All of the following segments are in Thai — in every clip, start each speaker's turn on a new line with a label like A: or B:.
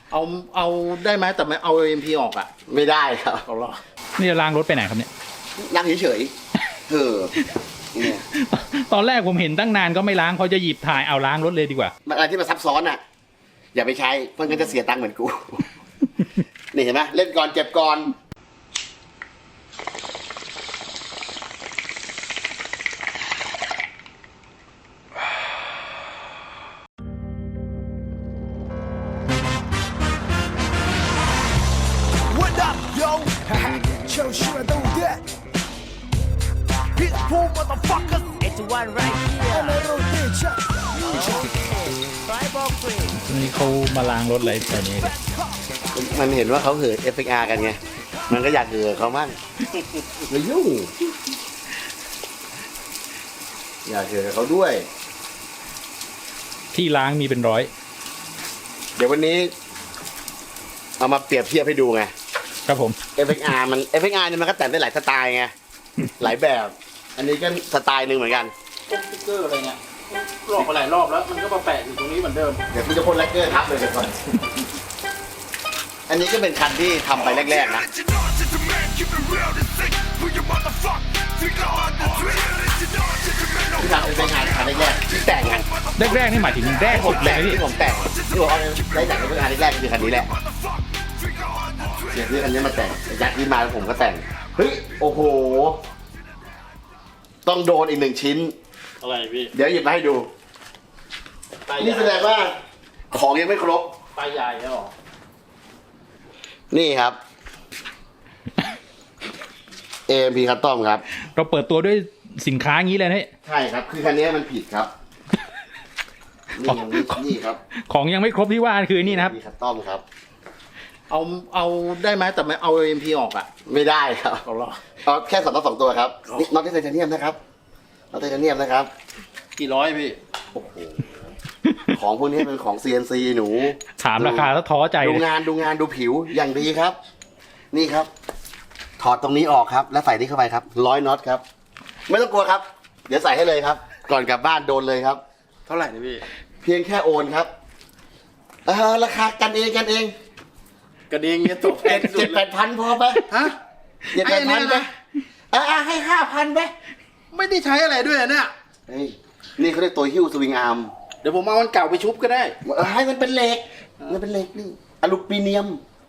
A: เอาได้ไหมแต่ไม่เอา AMP ออกอ่ะ
B: ไม่ได้ครับ
A: เอาหรอ
C: นี่จะล้างรถไปไหนครับเนี่ย
B: นั่งเฉยๆเนี่ย
C: ตอนแรกผมเห็นตั้งนานก็ไม่ล้างพอจะหยิบถ่ายเอาล้างรถเลยดีกว่า
B: มันอะไรที่มันซับซ้อนอ่ะอย่าไปใช้เพราะงั้นจะเสียตังค์เหมือนกู นี่เห็นไหมเล่นก่อนเจ็บก่อน
C: นี่เขามาล้างรถอะไรแบบนี้
B: มันเห็นว่าเขาเหิน FXR กันไงมันก็อยากเหินเขามั่งไม่ยุ่งอยากเหินเขาด้วย
C: ที่ล้างมีเป็นร้อย
B: เดี๋ยววันนี้เอามาเปรียบเทียบให้ดูไง
C: ครับผม
B: FXR เนี่ยมันก็แต่งได้หลายสไตล์ไงหลายแบบ อันนี้ก็สไตล์หนึ่งเหมือนกัน
A: สติ๊กเกอร์อะไรเนี่ยลอกไปหลายรอบแล้วมันก็มาแปะอยู่ตรงนี้เหมือนเดิม
B: เดี๋ยวพี่จะพ่นแลกเกอร์ทับเลยเดี๋ยวก่อนอันนี้ก็เป็นคันที่ทำไปแรกๆนะที่ทำเป็นงานคันแรกๆที่แต่งกัน
C: แรกๆนี่หมายถึงแรกสุดเลยนี่
B: ที่ผมแต่งที่ผมเอาได้แต่งเป็นงานแรกๆคือคันนี้แหละเดี๋ยวที่คันนี้มาแต่งยัดที่มาแล้วผมก็แต่งเฮ้ยโอ้โหต้องโดนอีก1 ชิ้น
A: อะไรพี่
B: เดี๋ยวหยิบมาให้ดูนี่แสดงว่าของยังไม่ครบ
A: ปลายใหญ่แล้วหรอ
B: นี่ครับ AMP Custom ครับ
C: เราเปิดตัวด้วยสินค้างี้เลยนี่
B: ใช่ครับคือคันนี้มันผิดครับนี่ครับ
C: ของยังไม่ครบที่ว่าคือนี่นะครับ
B: AMP Custom ครับ
A: เอาได้ไหมแต่ไม่เอา AMP ออกอ่ะ
B: ไม่ได้ครับ
A: เอาหรอ
B: เอาแค่2 ตัวครับน็อตไทเทเนียมนะครับน็อตไทเทเนียมนะครับ
A: กี่ร้อยพี่
B: โอ้โหของพวกนี้เป็นของ CNC หนู
C: ถามราคาแล้วท้อใจ
B: ดูงานดูผิวอย่างดีครับนี่ครับถอดตรงนี้ออกครับแล้วใส่นี่เข้าไปครับ100 น็อตครับไม่ต้องกลัวครับเดี๋ยวใส่ให้เลยครับก่อนกลับบ้านโดนเลยครับ
A: เท่าไหร่เนี่ยพี่
B: เพียงแค่โอนครับราคากันเอง
A: กันเองเนี่ยตกแพงสุด
B: 7-8,000พอไหม
A: ฮะ
B: 7-8,000ไปให้5,000ไป
A: ไม่ได้ใช้อะไรด้วยเนี่ย
B: นี่เขาเรียกตัวหิ้วสวิงอาร์ม
A: เดี๋ยวผมเอามันเก่าไปชุบก็ได้
B: ให้มันเป็นเหล็กนี่อลูมิเนียม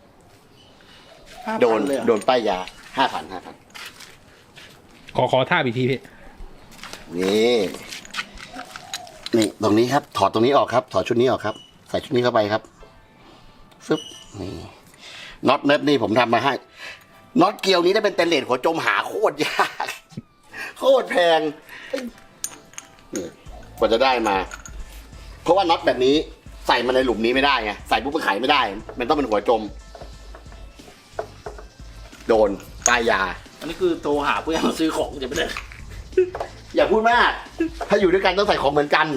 B: โดนป้ายยา5,000
C: ขอท่าอีกทีพี่
B: นี่ตรงนี้ครับถอดตรงนี้ออกครับถอดชุดนี้ออกครับใส่ชุดนี้เข้าไปครับฟึบนี่น็อตเนิร์ดนี่ผมทำมาให้น็อตเกลียวนี้ได้เป็นเตนเลสหัวจมหาโคตรยากโคตรแพงกว่าจะได้มาเพราะว่าน็อตแบบนี้ใส่มาในหลุมนี้ไม่ได้ไงใส่ปุ๊บมันไขไม่ได้มันต้องเป็นหัวจมโดนป้ายยา
A: อันนี้คือโทรหาเพื่อนมาซื้อของจะไม่ได้
B: อย่าพูดมากถ้าอยู่ด้วยกันต้องใส่ของเหมือนกัน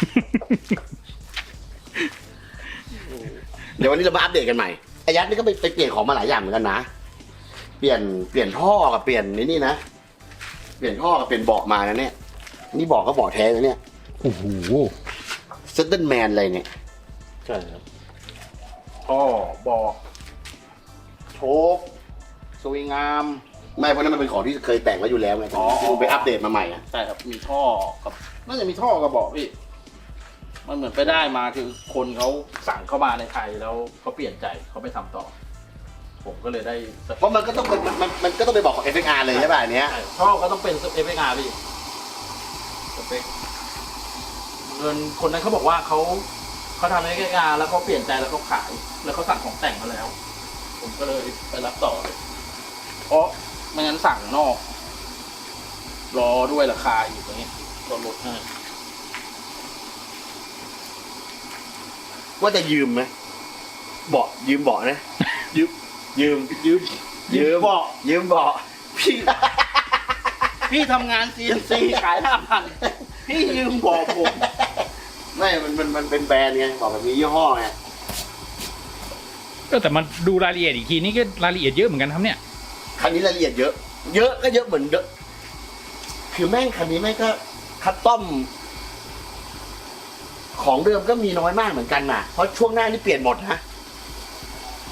B: เดี๋ยววันนี้เรามาอัปเดตกันใหม่ไอ้ยัดนี่ก็ไปเปลี่ยนของมาหลายอย่างเหมือนกันนะเปลี่ยนท่อกับเปลี่ยนนี่นะเปลี่ยนท่อกับเปลี่ยนเบาะมานะเนี่ยนี่เบาะก็เบาะแท้นะเนี่ย
C: โอ้โห
B: เซตเดิลแมนอะไรเนี่ย
A: ใช่ครับท่อเบาะโชคสวิงอาร์ม
B: ไม่เพราะนั้นมันเป็นของที่เคยแต่งไว้อยู่แล้วไงคุณไปอัปเดตมาใหม่อ่ะ
A: ใช่ครับมีท่อกับน่าจะมีท่อกับเบาะพี่มันเหมือนไปได้มาคือคนเขาสั่งเข้ามาในไทยแล้วเขาเปลี่ยนใจเขาไปทำต่อผมก็เลยได้
B: เพราะมันก็ต้องเป็นมันก็ต้องไปบอกของ FXR เลยใช่ป่ะอันเนี้ย
A: ท่อก็ต้องเป็น FXR พี่สเปคเงินคนนั้นเขาบอกว่าเขาทำ FXR แล้วเขาเปลี่ยนใจแล้วเขาขายแล้วเขาสั่งของแต่งมาแล้วผมก็เลยไปรับต่อเลยเพราะไม่งั้นสั่งนอกรอด้วยราคาอยู่ตรงนี้ก็ลดให้
B: ว่าจะยืมไหมยืมเบาะนะยืมเบาะ
A: พี่ทำงาน CNC ขาย 5,000 พี่ยืมเบาะผม
B: ไม่มันเป็นแบรนด์ไงบอกแบบมียี่ห้อไง
C: แต่มันดูรายละเอียดอีกทีนี่ก็รายละเอียดเยอะเหมือนกันครับเนี่ย
B: คันนี้รายละเอียดเยอะก็เยอะเหมือนเดิมคือแม่งคันนี้แม่งก็คัสตอมของเดิมก็มีน้อยมากเหมือนกันน่ะเพราะช่วงหน้านี่เปลี่ยนหมดนะ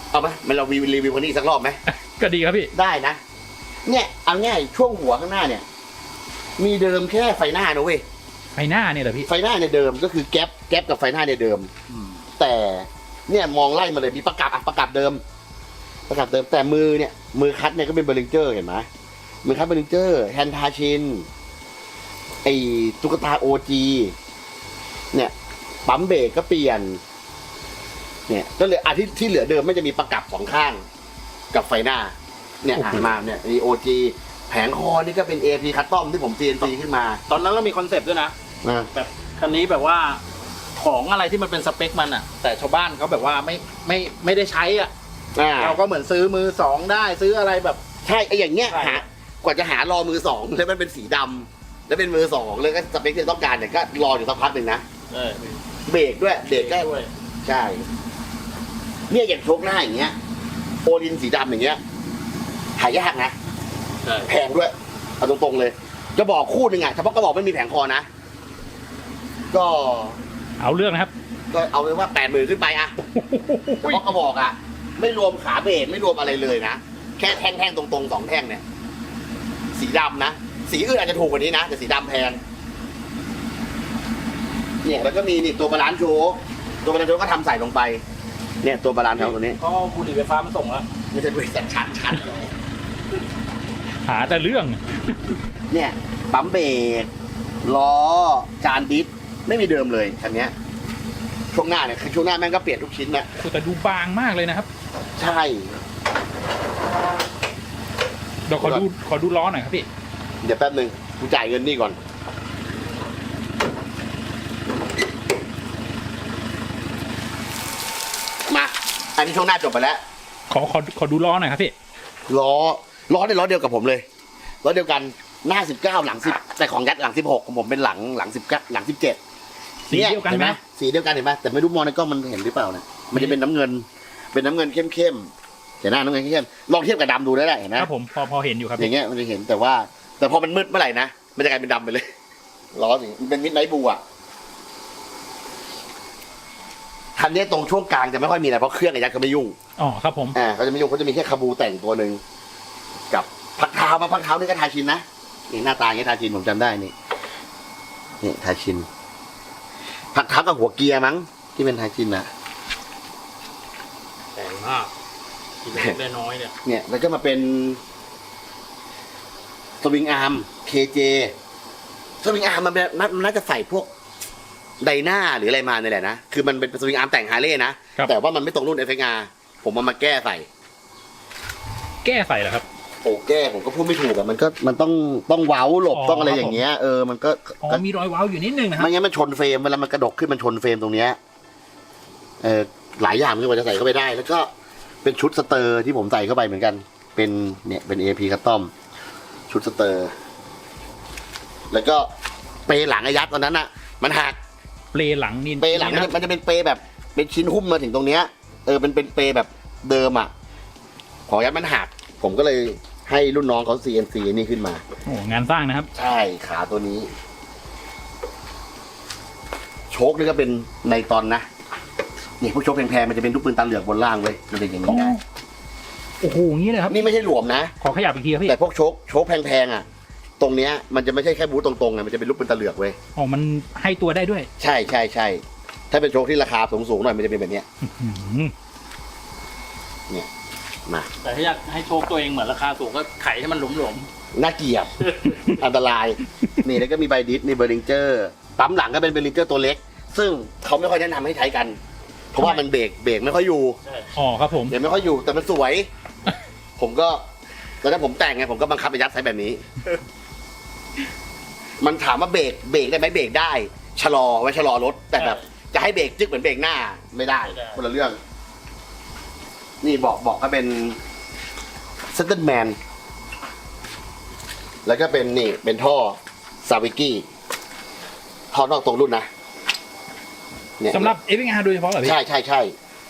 B: เอาไหมมันเรารีวิวคนนี้อีกสักรอบไหม
C: ก็ดีครับพี่
B: ได้นะ เนี่ยเอาง่ายช่วงหัวข้างหน้าเนี่ย มีเดิมแค่ไฟหน้านะเว้ย
C: ไฟหน้าเนี่ยเหรอพี่
B: ไฟหน้าเนี่ยเดิมก็คือแก๊ปกับไฟหน้าเนี่ยเดิม แต่เนี่ยมองไล่มาเลยมีประกับเดิม แต่มือคัดเนี่ยก็เป็นเบอร์ลิงเจอร์เห็นไหมมือคัดเบอร์ลิงเจอร์แฮนทาชินไอตุ๊กตาโอจีเนี่ยปั๊มเบรกก็เปลี่ยน เนี่ยก็เลยที่เหลือเดิมไม่จะมีประกับสองข้างกับไฟหน้า เนี่ยอ่านมาเนี่ยมีโอจีแผงคอนี่ก็เป็น AP คัสตอมที่ผม CNC ขึ้นมา
A: ตอนนั้นเรามีคอนเซปต์ด้วยนะ
B: นะ
A: แบบคันนี้แบบว่าของอะไรที่มันเป็นสเปคมันอ่ะ แต่ชาวบ้านเขาแบบว่าไม่ได้ใช้อ่ะ เราก็เหมือนซื้อมือสองได้ซื้ออะไรแบบ
B: ใช่ไออย่างเงี้ย
A: ใช่
B: กว่าจะหารอมือสองแล้วมันเป็นสีดำแล้วเป็นมือสองเลยก็สเปคที่ต้องการเนี่ยก็รออยู่สักพักหนึ่งนะ เบรกด้วยเบรกก็
A: ด้วย
B: ใช่เนี่ยอย่างโชคหน้าอย่างเงี้ยโอลินสีดำอย่างเงี้ยหายากนะ
A: ใช่
B: แพงด้วยเอาตรงๆเลยจะบอกคู่หนึ่งอ่ะเฉพาะกระบอกไม่มีแผงคอนะก็
C: เอาเรื่องนะครับ
B: ก็เอาเป็นว่า80,000ขึ้นไปอะเฉพาะกระบอกอะไม่รวมขาเบรกไม่รวมอะไรเลยนะแค่แท่งๆตรงๆ2แท่งเนี่ยสีดำนะสีอื่นอาจจะถูกกว่านี้นะแต่สีดำแพงเนี่ยแล้วก็มีนี่ตัวบาลานซ์โชว์ตัวบาลานซ์โชว์ก็ทำใส่ลงไป เนี่ยตัวบาลานซ์เขาตัวนี้
A: ก็บุหรี่ไฟฟ้ามาส่งแล้ว
B: ไม่ใช่บริษัทชัน
C: หาแต่เรื่อง
B: เนี่ยปั๊มเบรกล้อจานดิสไม่มีเดิมเลยคันเนี้ยช่วงหน้าเนี่ยคือช่วงหน้าแม่งก็เปลี่ยนทุกชิ้นนะ
C: แต่ดูบางมากเลยนะครับ
B: ใช่
C: เดี๋ยวขอดูล้อหน่อยครับพี่
B: เดี๋ยวแป๊บนึงกูจ่ายเงินนี่ก่อนมาอันนี้ช่วงหน้าจบไปแล้ว
C: ขอดูล้อหน่อยครับพี่
B: ล้อเนี่ยล้อเดียวกับผมเลยล้อเดียวกันหน้า19หลัง10แต่ของยัดหลัง16ของผมเป็นหลัง19หลัง17
C: สีเดียวกันไหม
B: สีเดียวกันเห็นไหมแต่ไม่รู้มองในกล้องมันเห็นหรือเปล่าเนี่ยมันจะเป็นน้ำเงินเข้มๆเห็นหน้าน้ำเงินเข้มๆลองเทียบกับดำดูได้เห็นไหม
C: ครับผมพอเห็นอยู่ครับ
B: อย่างเงี้ยมันจะเห็นแต่พอมันมืดเมื่อไหร่นะมันจะกลายเป็นดำไปเลยล้อสิมันเป็นมิดไนท์บลูอ่ะคันนี้ตรงช่วงกลางจะไม่ค่อยมีอะไรเพราะเครื่องไอ้ยักษ์เขาไม่ยุ่ง
C: อ๋อครับผม
B: เขาจะไม่ยุ่งเขาจะมีแค่คาบูแต่งตัวหนึ่งกับพักเท้านี่ก็ทาชินนะนี่หน้าตาอย่างนี้ทาชินผมจำได้นี่ทาชินพักเท้ากับหัวเกียร์มั้งที่เป็นทาชินนะ
A: แพงมากกินได้น้อยเนี่ย
B: เนี่ยแล้วก็มาเป็นสวิงอาร์ม KJ สวิงอาร์มมันน่าจะใส่พวกไดนาหรืออะไรมาเนี่ยแหละนะคือมันเป็นสวิงอาร์มแต่งฮาร์เลย์นะแต่ว่ามันไม่ตรงรุ่น FXR ผมเอามาแก้ใส่
C: แก้ใส่เหรอครับ
B: โอ้แก้ผมก็พูดไม่ถูกอะมันต้องเว้าหลบต้องอะไรอย่างเงี้ยมันก็
C: อ๋อมีรอยเว้าอยู่นิดนึงนะครับ
B: ไม่งั้นมันชนเฟรมเวลามันกระดกขึ้นมันชนเฟรมตรงเนี้ยหลายอย่างที่ว่าจะใส่เข้าไปได้ แล้วก็เป็นชุดสเตอร์ที่ผมใส่เข้าไปเหมือนกัน เป็นเนี่ยเป็น AP คัสตอมชุดสเตอร์ แล้วก็เปรหลังไอ้ยัดตอนนั้นอะมันหัก
C: เปลหลังนี่
B: เปรหลังมันจะเป็นเปรแบบเป็นชิ้นหุ้มมาถึงตรงเนี้ยเป็นเปรแบบเดิมอะของยัดมันหักผมก็เลยให้รุ่นน้องเขา CNC นี่ขึ้นมา
C: โอ้งานสร้างนะครับ
B: ใช่ขาตัวนี้ โชคนี่ก็เป็นในตอนนะนี่พวกโชคแพงๆมันจะเป็นลูกปืนตาเหลือกบนล่างเว้ยมันเป็นอย่างนี้ได้
C: โอ้โหอย่างนี้เลยครับ
B: นี่ไม่ใช่หลวมนะ
C: ขอขยับอีกทีครับพี่
B: แต่พวกโชคแพงๆอ่ะ ตรงเนี้ยมันจะไม่ใช่แค่บูทตรงๆไงมันจะเป็นลูกปืนตาเหลือกเว้ย
C: อ๋อมันให้ตัวได้ด้วย
B: ใช่ถ้าเป็นโชคที่ราคาสูงๆหน่อยมันจะเป็นแบบเนี้ย
C: อื้อหือ
B: มา
A: แต่ถ้าอยากให้โชคตัวเองเหมือนราคาสูงก็ไขให้มันหลวม
B: น่าเกลียด อันตรายนี่แล้วก็มีไบดิสนี่เบอร์ลิงเจอร์ปั๊มหลังก็เป็นเบอร์ลิงเจอร์ตัวเล็ก ซึ่งเขาไม่ค่อยแนะนำให้ใช้กัน เพราะว่ามันเบรกไม่ค่อยอยู่
A: ๆใช่
C: อ๋อครับผม
B: เดี๋ยวไม่ค่อยอยู่แต่มันสวย ผมก็ตอนนั้นผมแต่งไงผมก็บังคับไปยัดใส่แบบนี้ มันถามว่าเบรกได้ไหมเบรกได้ชะลอไว้ชะลอรถแต่แบบจะให้เบรกจึ๊กเหมือนเบรกหน้าไม่ได้คนละเรื่อง นี่บอกก็เป็นเซนเตอร์แมนแล้วก็เป็นนี่เป็นท่อซาวิกี้ท่อนอกตรงรุ่นนะเนี่ย
C: สำหรับ FXR โดยเฉพาะเหรอพี่
B: ใช่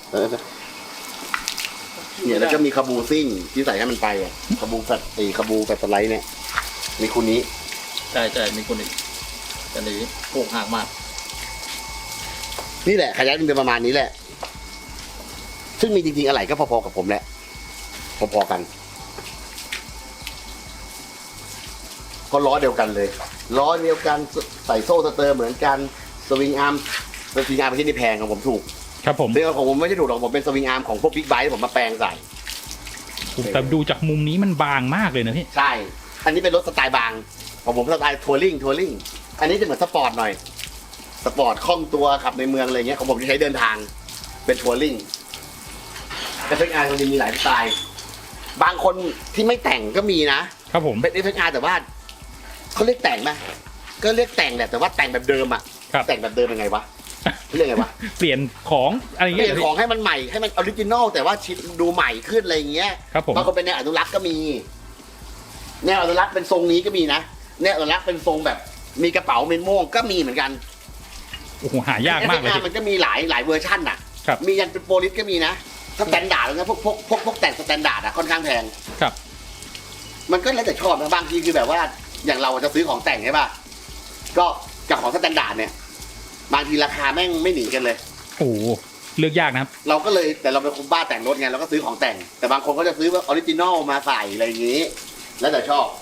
B: เนี่ยแล้วก็มีคาบูซิ่งที่ใส่ให้มันไปอ่ะคาบูแฟตคาบูแฟตสไลด์เนี่ยมีคู่นี้
A: ใช่มีคนอีกอันนี้โป่งห่างมาก
B: นี่แหละขยันเป็นประมาณนี้แหละซึ่งมีจริงๆอะไรก็พอๆกับผมแหละพอๆกันก็ล้อเดียวกันเลยล้อเดียวกันใส่โซ่สเตอร์เหมือนกันสวิงอาร์มเป็นที่นี่แพงของผมถูก
C: ครับผม
B: เรื่องของผมไม่ใช่ถูกหรอกผมเป็นสวิงอาร์มของพวกบิ๊กไบค์ผมมาแปลงใส่
C: แต่ดูจากมุมนี้มันบางมากเลยนะพี่
B: ใช่ อันนี้เป็นรถสไตล์บางของผมสไตล์ทัวริงอันนี้จะเหมือนสปอร์ตหน่อยสปอร์ตคล่องตัวขับในเมืองอะไรเงี้ยของผมจะใช้เดินทางเป็นทัวริงแต่เฟกอาร์มันมีหลายสไตล์บางคนที่ไม่แต่งก็มีนะครับ
C: ผม
B: เป็นเฟกอาร์แต่ว่าเขาเรียกแต่งไหมก็เรียกแต่งแหละแต่ว่าแต่งแบบเดิมอะ
C: ครับ
B: แต่งแบบเดิมยังไงวะเรียกไงวะ
C: เปลี่ยนของอะไรอย่าง
B: เป
C: เงี้
B: ลี่
C: ย
B: ยนของให้มันใหม่ให้มันออริจินอลแต่ว่าชิ้นดูใหม่ขึ้นอะไรอย่างเงี้ย
C: ครับผม
B: บางคนเป็นแนวอนุรักษ์ก็มีแนวอนุรักษ์เป็นทรงนี้ก็มีนะแนวอนุรักษ์เป็นทรงแบบมีกระเป๋าเมนม่วงก็มีเหมือนกัน
C: โอ้โหหายากมากเลย
B: FXR
C: พี่
B: มันก็มีหลายเวอร์ชั่นอ่ะ
C: ครับ
B: มียันเป็นโปลิสก็มีนะสแตนดาร์ดแล้วนะพวกแต่งสแตนดาร์ดอ่ะค่อนข้างแพง
C: ครับ
B: มันก็แล้วแต่ชอบนะบางทีคือแบบว่าอย่างเราจะซื้อของแต่งใช่ป่ะก็กับของสแตนดาร์ดเนี่ยบางทีราคาแม่งไม่หนีกันเลย
C: โอ้โหเลือกยากนะครับ
B: เราก็เลยแต่เราเป็นคนบ้าแต่งรถไงเราก็ซื้อของแต่ง แต่บางคนก็จะซื้อว่าออริจินอลมาใส่อะไรอย่างนี้ แล้วแต่ชอบ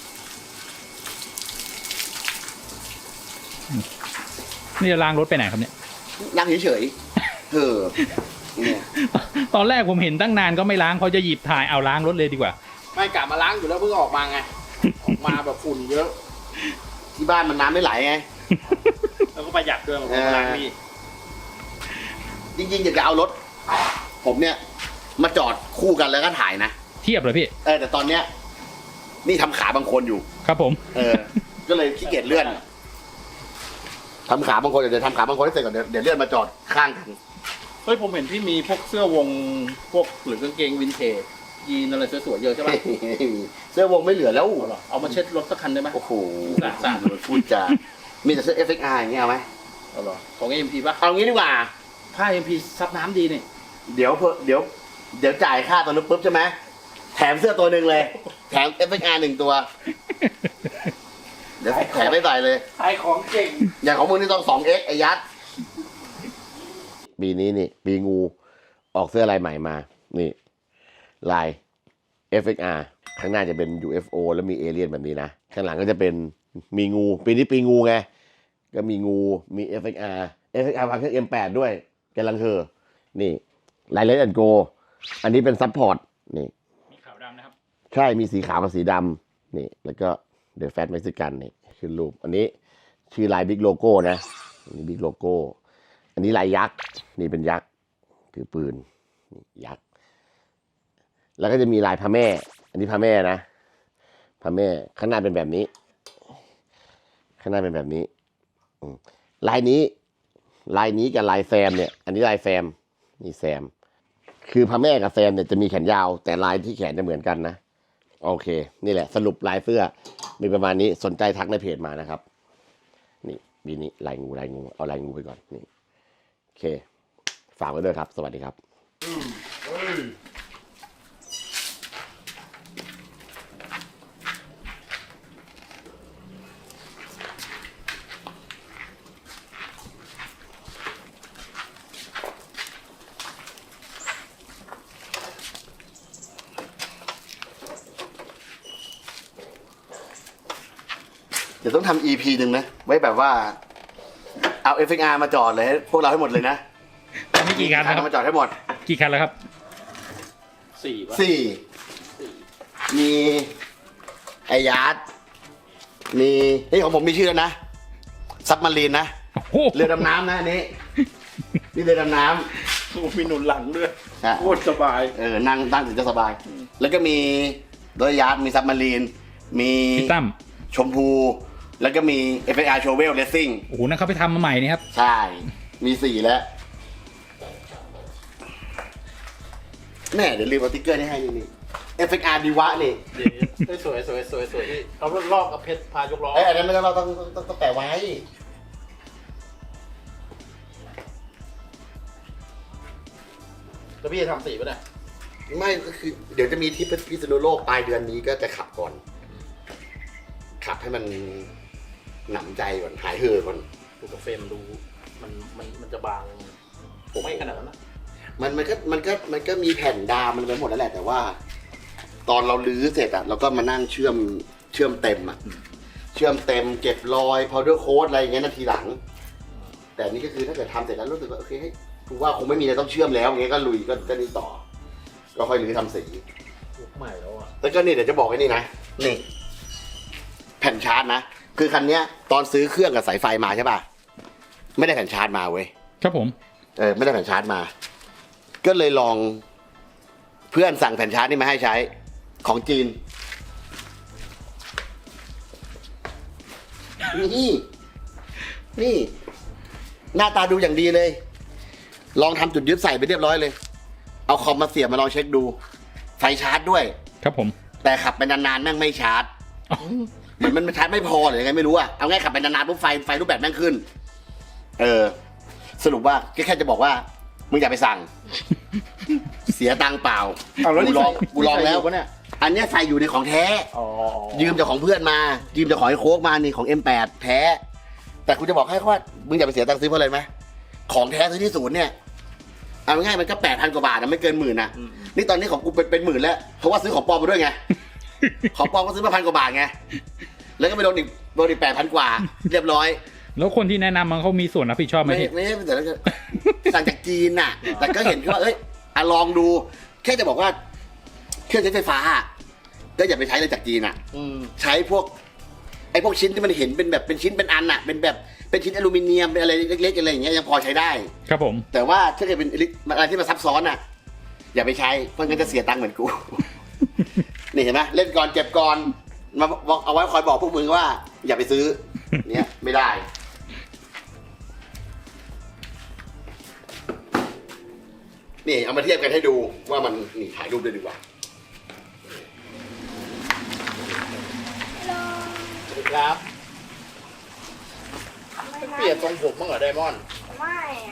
C: นี่จะล้างรถไปไหนครับเนี่ย
B: นั่งเฉยๆเออเนี่ย
C: ตอนแรกผมเห็นตั้งนานก็ไม่ล้างเขาจะหยิบถ่ายเอาล้างรถเลยดีกว่า
A: ไม่กลับมาล้างอยู่แล้วเพิ่งออกมาไง ออกมาแบบฝุ่นเยอะ
B: ที่บ้านมันน้ำไม่ไหลไง
A: แล้วก็ประหยัดด้วยผมล้างนี่
B: จริงๆอยากจะเอารถ ผมเนี่ย มาจอดคู่กันแล้วก็ถ่ายนะ
C: เทียบเลยพี่
B: แต่ตอนเนี้ยนี่ทำขาบางคนอยู่
C: ครับผม
B: ก็เลยขี้เกียจเลื่อนทำขาบางคนเดี๋ยวทำขาบางคนให้เสร็จก่อนเดี๋ยวเลื่อนมาจอดข้างกัน
A: เฮ้ยผมเห็นพี่มีพวกเสื้อวงพวกหรือกางเกงวินเทจยีนอะไรสวยๆเยอะใช่ปะ
B: เสื้อวงไม่เหลือแล้ว
A: เอามาเช็ดรถสักคันได้ไหม
B: โอ้โห
A: สาด
B: พูดจามีแต่เสื้อ FXR อย่างเงี้ยเอาไหม
A: เอาเหรอของ AMP ป่ะ
B: เอางี้ดีกว่า
A: ผ้า AMP ซับน้ำดีนี่
B: เดี๋ยวจ่ายค่าตัวนู้นปุ๊บใช่ไหมแถมเสื้อตัวหนึ่งเลย แถม FXR 1 ตัว เดี๋ยวแถมไม่ใส่เลย
A: ขายของเก่ง
B: อย่างของมึงนี่ต้อง 2X ไอ้ยัดปีนี้นี่ปีงูออกเสื้อลายใหม่มา นี่ ลาย FXR ข้างหน้าจะเป็น UFO แล้วมีเอเลี่ยนแบบนี้นะ ข้างหลังก็จะเป็นมีงู ปีนี้ปีงูไง ก็มีงู มี FXR วางเครื่อง M8 ด้วยกำลังเธอนี่ลายเลนแอนโกอันนี้เป็นซัพพอร์ต นี่
C: มีขาวดำนะครับ
B: ใช่ มีสีขาวกับสีดำนี่ แล้วก็เดอะแฟตเม็กซิกันนี่ขึ้นรูป อันนี้ชื่อลายบิ๊กโลโก้นะอันนี้บิ๊กโลโก้ อันนี้ลายยักษ์ นี่เป็นยักษ์ ถือปืนนี่ยักษ์ แล้วก็จะมีลายพระแม่ อันนี้พระแม่นะ พระแม่ ข้างหน้าเป็นแบบนี้ ข้างหน้าเป็นแบบนี้ลายนี้กับลายแซมเนี่ย อันนี้ลายแซม นี่แซม คือพระแม่กับแซมเนี่ยจะมีแขนยาว แต่ลายที่แขนจะเหมือนกันนะ โอเค นี่แหละสรุปลายเสื้อมีประมาณนี้สนใจทักในเพจมานะครับ นี่บีนี้ลายงูเอาลายงูไปก่อนนี่โอเคฝากไว้ด้วยครับ สวัสดีครับเดี๋ยวต้องทำ EP หนึ่งนะ ไว้แบบว่า เอา FXR มาจอดเลยให้พวกเราให้หมดเลยนะ
C: มีกี่คันนะครับ
B: มาจอดให้หมด
C: กี่คันแล้วครับ
A: 4ป่ะ
B: มีไอยาร์ดมีเฮ้ยของผมมีชื่อแล้วนะซับมารีนนะ
C: โอ้โห
B: เรือดำน้ำนะอันนี้นี่เรือดำน้
A: มีหนุนหลังด้วย
B: ำ
A: โคตรสบาย
B: นั่งถึงจะสบาย แล้วก็มีโดยยาร์ดมีซับมารีนมี
C: พี่ตั้ม
B: ชมพู แล้วก็มี FXR Shovel Racing
C: โอ้โหนั่นเขาไปทำมาใหม่นี่ครับ
B: ใช่ มี4แล้วแม่เดี๋ยวลืมเอาติ๊กเกอร์นี่ให้นี่ FXR ดีวะนี่
A: สวยพี่เขาลอกกับเพชรพายกล้อ
B: อันนั้นไม่ต้องเราต้องแปะไว้
A: แล้วพี่จะทำสีป่ะเนี่ย
B: ไม่ก็คือเดี๋ยวจะมีที่พิษณุโลกปลายเดือนนี้ก็จะขับก่อน ขับให้มันหนำใจก่อนหายเห่อก่อน
A: ดูกับเฟรมดูมันจะบางผมไม่ขนาดนั้นนะ
B: มันก็มีแผ่นดามมันไปหมดแล้วแหละแต่ว่า ตอนเราลื้อเสร็จอะเราก็มานั่งเชื่อมเต็มอะเชื่อมเต็มเก็บรอย powder coat อะไรอย่างเงี้ยนาทีหลัง แต่นี่ก็คือถ้าเกิดทำเสร็จแล้วรู้สึกว่าโอเคให้กูว่าคงไม่มีอะไรต้องเชื่อมแล้วอย่างเงี้ยก็ลุยก็นี่ต่อ ก็ค่อยลื้อทำสี
A: ยุคใหม่แล้วอ่ะ
B: แล้วก็นี่เดี๋ยวจะบอกไว้นี่นะนี่แผ่นชาร์จนะคือคันเนี้ยตอนซื้อเครื่องกับสายไฟมาใช่ป่ะไม่ได้แผ่นชาร์จมาเว้ย
C: ครับผม
B: ไม่ได้แผ่นชาร์จมา ก็เลยลองเพื่อนสั่งแผ่นชาร์จนี่มาให้ใช้ของจีนนี่หน้าตาดูอย่างดีเลย ลองทำจุดยึดใส่ไปเรียบร้อยเลย เอาคอมมาเสียบมาลองเช็คดู ไฟชาร์จด้วย
C: ครับผม
B: แต่ขับไปนานๆแม่งไม่ชาร์จ
C: อ๋อ
B: เหมือนมันชาร์จไม่พอหรือยังไงไม่รู้อะเอาง่ายขับไปนานๆปุ๊บไฟรูปแบบแม่งขึ้น สรุปว่าแค่จะบอกว่ามึงอย่าไปสั่ง เสียตังค์เปล่า
A: เอาแล้วนี่
B: กูลองแล้ว
A: ปะเนี่ย
B: อันเนี้ยใส่อยู่ในของแท้
A: อ๋อ
B: ยืมจากของเพื่อนมา ยืมจากของไอ้โค้กมานี่ของ M8 แท้ แต่กูจะบอกให้ว่ามึงอย่าไปเสียตังค์ซื้อเพราะอะไรไหมของแท้ซื้อที่ศูนย์เนี่ยเอาง่ายๆมันก็8,000 กว่าบาทนะไม่เกิน10,000นะนี่ตอนนี้ของกูเป็น10,000แล้วเพราะว่าซื้อของปลอมมาด้วยไง ของปลอมก็ซื้อมา1,000 กว่าบาทไงแล้วก็ไปโดนอีก8,000 กว่า เรียบร้อย
C: แล้วคนที่แนะนำมันเขามีส่วนรับผิดชอบไหม
B: ไม่
C: พี่
B: ไม่ไม่แต่แล้วก็สั่งจากจีนน่ะ แต่ก็เห็นว่าลองดู แค่จะบอกว่าเครื่องใช้ไฟฟ้าก็อย่าไปใช้เลยจากจีนอ่ะ ใช้พวกชิ้นที่มันเห็นเป็นแบบเป็นชิ้นเป็นอันอ่ะเป็นแบบเป็นชิ้นอลูมิเนียมเป็นอะไรเล็กๆอะไรอย่างเงี้ยยังพอใช้ได้
C: ครับผม
B: แต่ว่าถ้าเกิดเป็นอะไรที่มันซับซ้อนอ่ะ อย่าไปใช้เพราะงั้นจะเสียตังค์เหมือนกู นี่เห็นไหมเล่นก่อนเจ็บก่อนมาบอกเอาไว้คอยบอกพวกมึงว่า อย่าไปซื้อ เนี่ยไม่ได้ นี่เอามาเทียบกันให้ดูว่ามันนี่ถ่ายรูปด้วยดีกว่า
A: สวัสดีครับเปลี่ยนทรงผมบ้างเหรอไดมอนด์
D: ไม่อะ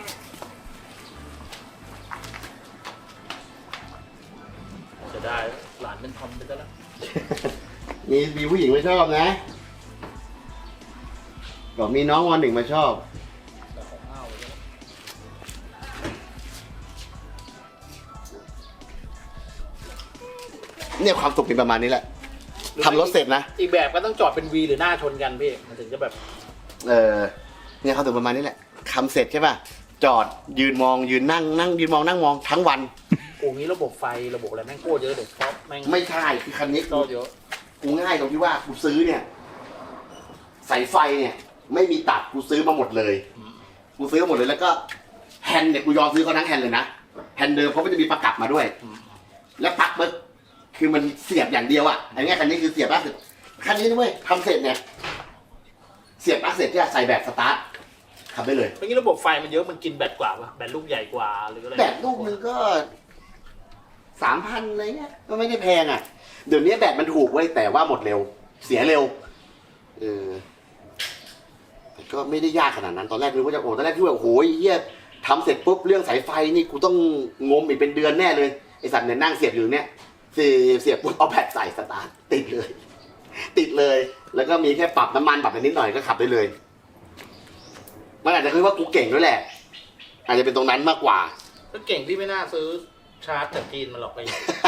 A: จะได้หลานเป็นทอมไปซะแล้ว
B: มีผู้หญิงไม่ชอบนะบอกมีน้องวันหนึ่งมาชอบ
A: แต่ของอ้าวเลย
B: เนี่ยความสุขเป็นประมาณนี้แหละทำรถเสร็จนะ
A: อีกแบบก็ต้องจอดเป็นวีหรือหน้าชนกันพี่มันถึงจะแบบ
B: เนี่ยความสุขประมาณนี้แหละทำเสร็จใช่ป่ะจอดยืนมองยืนนั่งยืนมองนั่งมองทั้งวัน
A: โอ้งี้ระบบไฟระบบอะไรแม่งโคตรเยอะเด็กเพราะแม่ง
B: ไม่ใช่คือคันนี้
A: ก็เยอะ
B: กูง่ายตรงที่ว่ากูซื้อเนี่ยสายไฟเนี่ยไม่มีตัดกูซื้อมาหมดเลยกูซื้อมาหมดเลยแล้วก็แฮนด์เนี่ยกูยอมซื้อเขาทั้งแฮนด์เลยนะแฮนด์เดิมเพราะมันจะมีประกับมาด้วย แล้วปลั๊กมันคือมันเสียบอย่างเดียวอ่ะอันนี้คันนี้คือเสียบปลั๊กคันนี้นะเว้ยทำเสร็จเนี่ยเสียบปลั๊กเสร็จจะใส่แบบสตาร์ทขับได้เลย
A: เมื่อกี้ระบบไฟมันเยอะมันกินแบตกว่าปะแบตลูกใหญ่กว่าหรืออะไร
B: แบตลูกนึงก็3,000อะไรเงี้ยก็ไม่ได้แพงอ่ะเดี๋ยวนี้แบตมันถูกเว้ยแต่ว่าหมดเร็ว เสียเร็วแต่ก็ไม่ได้ยากขนาดนั้นตอนแรกนึกว่าจะตอนแรกที่ว่าโอ้โหเฮียทำเสร็จปุ๊บเรื่องสายไฟนี่กูต้องงมอีกเป็นเดือนแน่เลยไอสัตว์เนี่ยนั่งเสียบอยู่เนี่ยเสียบปุ๊บเอาแบตใส่สตาร์ทติดเลย แล้วก็มีแค่ปรับน้ำมันปรับไปนิดหน่อยก็ขับได้เลยมันอาจจะคือว่ากูเก่งด้วยแหละ อาจจะเป็นตรงนั้นมากกว่า
A: ก็เก่งที่ไม่น่าซื้อชาร์จจากจีนมาหรอกไป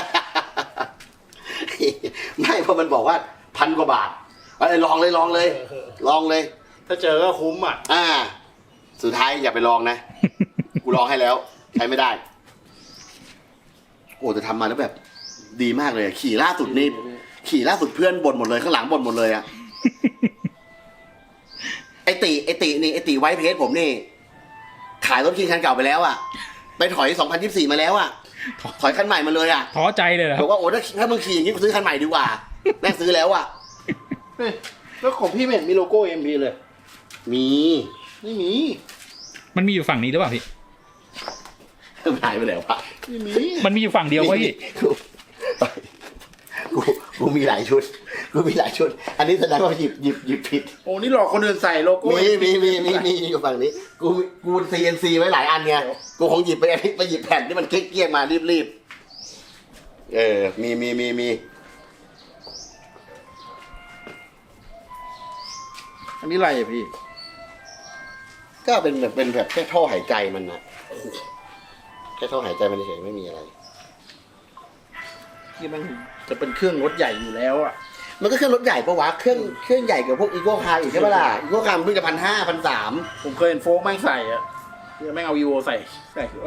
B: ไม่เพราะมันบอกว่า1,000 กว่าบาทลองเลย
A: ถ้าเจอก็คุ้มอ่ะ
B: สุดท้ายอย่าไปลองนะ กูลองให้แล้วใช้ไม่ได้ โอ้แต่ทำมาแล้วแบบ ดีมากเลยอะขี่ล่าสุดเพื่อนบ่นหมดเลยข้างหลังบ่นหมดเลยอะไอติไวท์เพจผมนี่ ขายรถคิงคันเก่าไปแล้วอะไปถอย2024มาแล้วอะถอยคันใหม่มาเลยอะ
C: ท้อใจเลยเหรอครับ
B: บอกว่าโอ้ถ้ามึงขี่อย่างนี้กูซื้อคันใหม่ดีกว่าแม่งซื้อแล้วอะ
A: แล้วของพี่ไม่เห็นมีโลโก้ MP เลย
B: มี
A: ไม่มี
C: มันมีอยู่ฝั่งนี้หรือเปล่าพี่
B: หายไปแล้วปะ
A: ไม่มี
C: มันมีอยู่ฝั่งเดียววะพี่
B: กูมีหลายชุด อันนี้แสดงว่าหยิบผิด
A: โอ้นี่หลอกคนอื่นใส่โลโก้
B: มีอยู่ฝั่งนี้ กู CNC ไว้หลายอันไง กูคงหยิบไปหยิบแผ่นที่มันเกลี้ยงๆมารีบมี
A: อันนี้อะไรอะพี่
B: ก็เป็นแบบแค่ท่อหายใจมันนะค่ท่อหายใจมันเฉยๆไม่มีอะไร
A: ที่มันจะเป็นเครื่องรถใหญ่อยู่แล้วอ่ะ
B: มันก็เครื่องรถใหญ่ปะวะเครื่องใหญ่กว่าพวกอีโก้คาร์อีกใช่ปะล่ะอีโก้คาร์มันเพิ่งจะ1,500
A: ผมเคยเห็นโฟกแม่งใส่อ่ะแม่งเอายูโอใส่ด้วย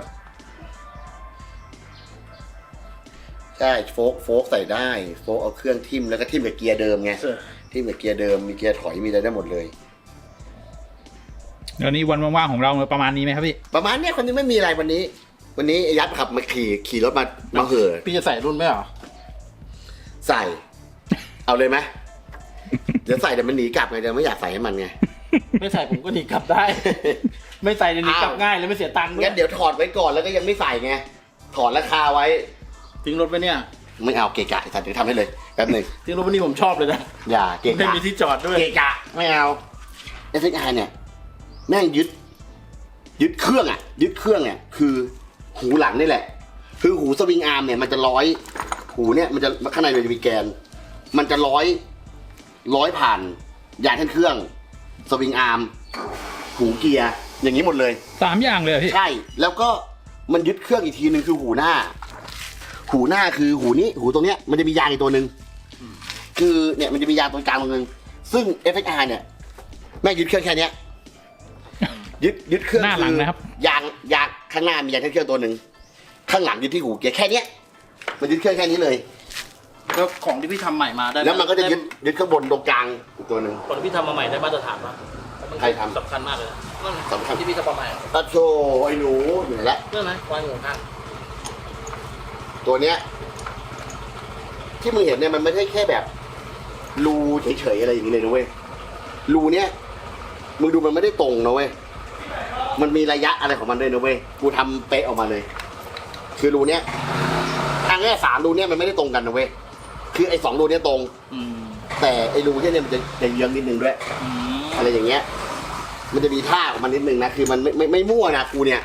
B: 1,300ใช่โฟกใส่ได้โฟกเอาเครื่องทิ่มแล้วก็ทิ่มกับเกียร์เดิมไงทิ่มกับเกียร์เดิมมีเกียร์ถอยมีอะไรได้หมดเลย
C: เดี๋ยวนี้วันว่างๆของเราประมาณนี้ไหมครับพี่
B: ประมาณเนี้ยคนนี้ไม่มีอะไรวันนี้ไอ้ยัดขับมาขี่รถมาเห่อ
A: พี่จะใส่รุ่นไหมเหรอ
B: ใส่ เอาเลยไหมเดี๋ยวใส่เดี๋ยวมันหนีกลับไงเดี๋ยวไม่อยากใส่ให้มันไง
A: ไม่ใส่ผมก็หนีกลับได้ ไม่ใส่เดี๋ยวหนีกลับง่ายเลยไม่เสียตังค์ด้วย
B: งั้นเดี๋ยวถอดไว้ก่อนแล้วก็ยังไม่ใส่ไงถอดราคาไว้
A: ทิ้งรถไปเนี่ย
B: ไม่เอาเกะกะไอ้สัตว์เดี๋ยวทำให้เลยแป๊บหนึ่ง
A: ทิ้งรถไปนี่ผมชอบเลยนะ
B: อย่าเกะ
A: ไม่
B: กะ
A: มีที่จอดด้วย
B: เกะกะไม่เอา SXR เนี่ยแม่งยึดเครื่องเนี่ยคือหูหลังนี่แหละ คือหูสวิงอาร์มเนี่ยมันจะร้อยหูเนี่ยมันจะข้างในมันจะมีแกน มันจะร้อยผ่านยางแท่นเครื่องสวิงอาร์มหูเกียร์อย่างนี้หมดเลย
C: 3 อย่างเลยเหรอพี่
B: ใช่แล้วก็มันยึดเครื่องอีกทีหนึ่งคือหูหน้าคือหูนี้หูตรงเนี้ยมันจะมียางอีกตัวหนึ่งคือเนี่ยมันจะมียางตรงกลางตรงนึงซึ่ง FXR เนี่ยแม่งยึดเครื่องแค่เนี้ยยึดเครื่อง
C: หน้าหลังนะครับ
B: ยางข้างหน้ามียางแท่นเครื่องตัวหนึ่งข้างหลังยึดที่หูเกียร์แค่เนี้ยมันยึดเครื่องแค่นี้เลย
A: แล้วของที่พี่ทำใหม่มาได้
B: แล้วมันก็จะยึดข้างบนตรงกลางอีกตัวหนึ่ง
A: ของที่พี่ทำมาใหม่ได้มาตรฐานปะ
B: ใครทำ
A: สำคัญมากเลยนะ
B: สำคัญ
A: ที่พี่ทำมาใหม่
B: ตะโชไอ้หนูอยู่ไหนละ
A: เรื่องไหมวางอยู่ข้าง
B: ตัวเนี้ยที่มึงเห็นเนี่ยมันไม่ใช่แค่แบบรูเฉยๆอะไรอย่างนี้เลยนะเว้ยรูเนี้ยมึงดูมันไม่ได้ตรงนะเว้ยมันมีระยะอะไรของมันด้วยนะเว้ยกูทำเป๊ะออกมาเลย คือรูเนี้ยทางแค่3รูเนี้ยมันไม่ได้ตรงกันนะเว้ยคือไอ้2รูเนี้ยตรง
A: อืม
B: แต่ไอ้รูเนี่ยมันจะเยื้องนิดนึงด้วย
A: อืม
B: อะไรอย่างเงี้ย มันจะมีท่าของมันนิดนึงนะ คือมันไม่มั่วนะกูเนี่ย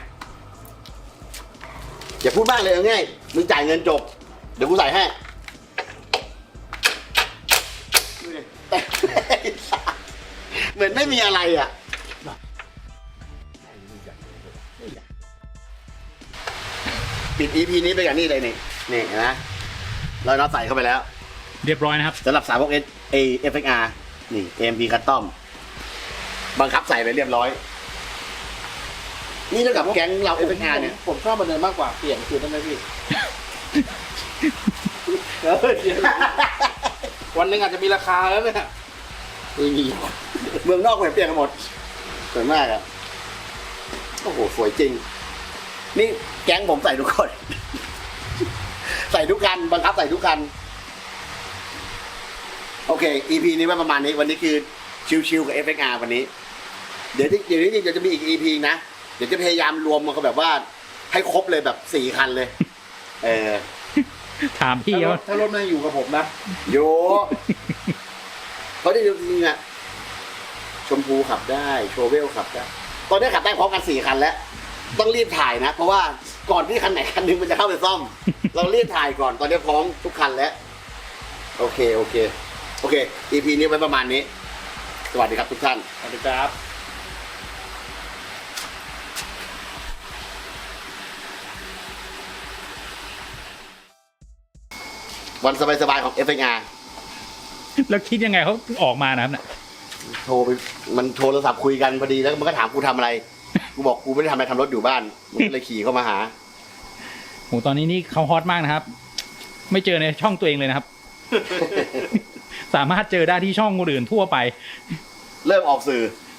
B: อย่าพูดบ้างเลยเอาง่ายมึงจ่ายเงินจบ เดี๋ยวกูใส่ให้ เหมือนไม่มีอะไรอ่ะ ปิด EP นี้ไปกับนี่เลยนี่เห็นะเราน็อตใส่เข้าไปแล้ว
C: เรียบร้อยนะครับ
B: สำหรับสาวกFXR นี่ AMP Custom บังคับใส่ไปเรียบร้อย นี่เท่ากับแก๊งเรา FXR เนี่ย
A: ผมชอบมันเดินมากกว่าเปลี่ยนคืนได้ไหมพี่ วันหนึ่งอาจจะมีราคาแล้วเนี่ย
B: ไม่มีเมืองนอกเปลี่ยนกันหมดสวยมากอะโอ้โห สวยจริง นี่แก๊งผมใส่ทุกคน ใส่ทุกคัน บังคับใส่ทุกคัน โอเค EP นี้ไว้ประมาณนี้ วันนี้คือชิวๆกับ FXR วันนี้ เดี๋ยวจะมีอีก EP นะ เดี๋ยวจะพยายามรวมมันก็แบบว่า ให้ครบเลยแบบ4 คันเลย
C: ถามพี่เขา
A: ถ้ารถมันอยู่กับผมนะ
B: โยเขาได้จริงๆอะชมพูขับได้โชเวลขับได้ตอนนี้ขับได้พร้อมกัน4 คันแล้ว ต้องรีบถ่ายนะ เพราะว่าก่อนที่คันไหนคันหนึงมันจะเข้าไปซ่อม เรารีบถ่ายก่อนตอนนี้พร้อมทุกคันแล้ว โอเค EP นี้ไว้ประมาณนี้ สวัสดีครับทุกท่าน
A: สวัสดีครับ
B: วันสบายๆของ FXR
C: แล้วคิดยังไงเขาออกมานะครับเนี่ย
B: โทรไปมันโทรศัพท์คุยกันพอดีแล้วมันก็ถามกูทำอะไร กูบอกกูไม่ได้ทำอะไรทำรถอยู่บ้านมันก็เลยขี่เข้ามาหา
C: โหตอนนี้นี่เขาฮอตมากนะครับ ไม่เจอในช่องตัวเองเลยนะครับ สามารถเจอได้ที่ช่องคนอื่นทั่วไป
B: เริ่มออกสื่อ